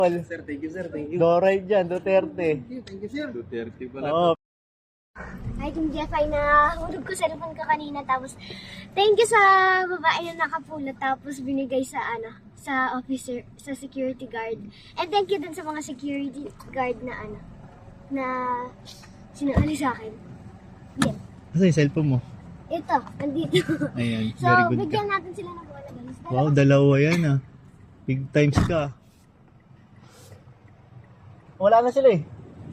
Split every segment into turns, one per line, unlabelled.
Sir, thank you, sir. Thank you.
Doray dyan, Duterte.
Thank you, sir. Duterte pala.
Oo.
Hi, Team Jeff, ay nahulog ko cellphone ko kanina. Tapos, thank you sa babae na nakapulot. Tapos, binigay sa sa officer, sa security guard. And thank you din sa mga security guard na na sinali sa akin. Yan.
Asa yung cellphone mo?
Ito, nandito.
Ayan,
So,
very good ka.
bigyan natin sila ng bola, guys.
Wow, dalawa yan ah. Big times ka. Wala na sila eh.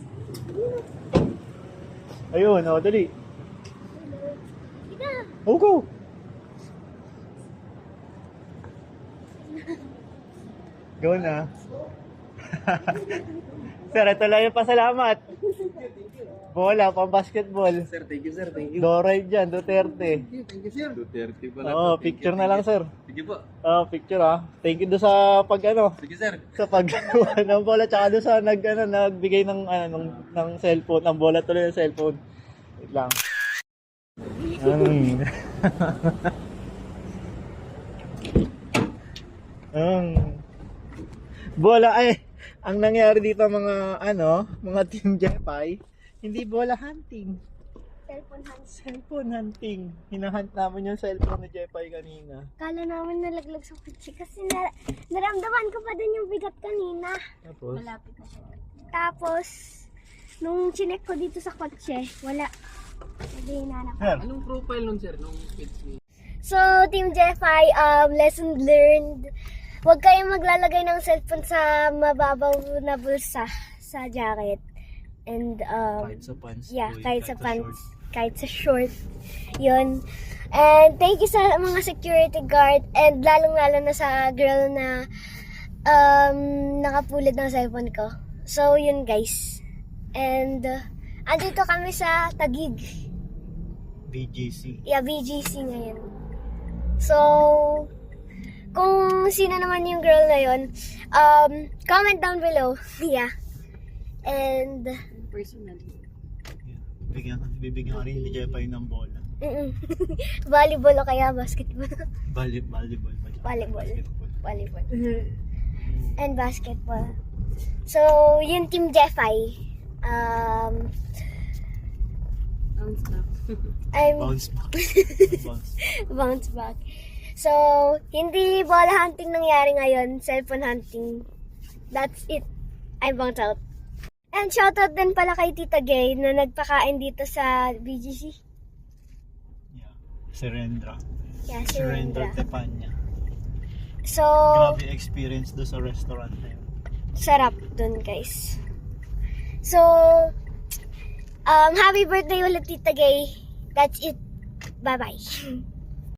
Ayun, dali.
Ika.
Oh, go! Go na. Sir, ito lang yung pasalamat. Bola, pang basketball.
Sir, thank you, sir. Thank you.
Doray dyan, Duterte.
Thank you, sir. Duterte pala.
Oo, picture na lang, sir.
Sige po.
Picture ah. Thank you do sa
Sige, sir.
sa paggawa ng bola tsaka doon sa nagbigay ng cellphone, ng bola tuloy ng cellphone. Wait lang. Bola ay ang nangyari dito mga Team Jepay, hindi bola hunting,
Cellphone hands.
cellphone hunting. Hinahunt namin yung cellphone ni Jepay kanina.
Kala namin nalaglag sa kutsi kasi naramdaman ko pa din yung bigat kanina.
Tapos,
Malapit na siya. Tapos, nung chinek ko dito sa kotse, wala. Hindi hinanap.
sir,
Anong profile nun, sir? Nung page niya?
So, Team Jeffy, lesson learned. Huwag kayong maglalagay ng cellphone sa mababaw na bulsa sa jacket. And,
kahit sa pants.
yeah,
boy,
kahit sa pants,
short.
kahit sa short. Yun. And thank you sa mga security guard and lalong-lalo na sa girl na nakapulot ng cellphone ko. So, yun guys. And, andito kami sa Taguig.
BGC.
Yeah, BGC ngayon. So, kung sino naman yung girl na yun, comment down below. Yeah. And,
Personally.
Bibigyan ka rin ni Jepay ng bola.
volleyball o kaya basketball.
Volleyball.
Volleyball.
Basketball.
Volleyball. And basketball. So, yun Team Jeffy.
Bounce back.
Bounce back. So, hindi bola hunting nangyari ngayon, cellphone hunting. That's it. I bounce out. And shoutout din pala kay Tita Gay na nagpakain dito sa BGC.
Yeah. Serendra.
Yeah,
Serendra
Serendra.
Tepanya.
So,
Grabe experience do sa restaurant na yun.
sarap dun guys. So, happy birthday ulit Tita Gay. That's it. Bye-bye.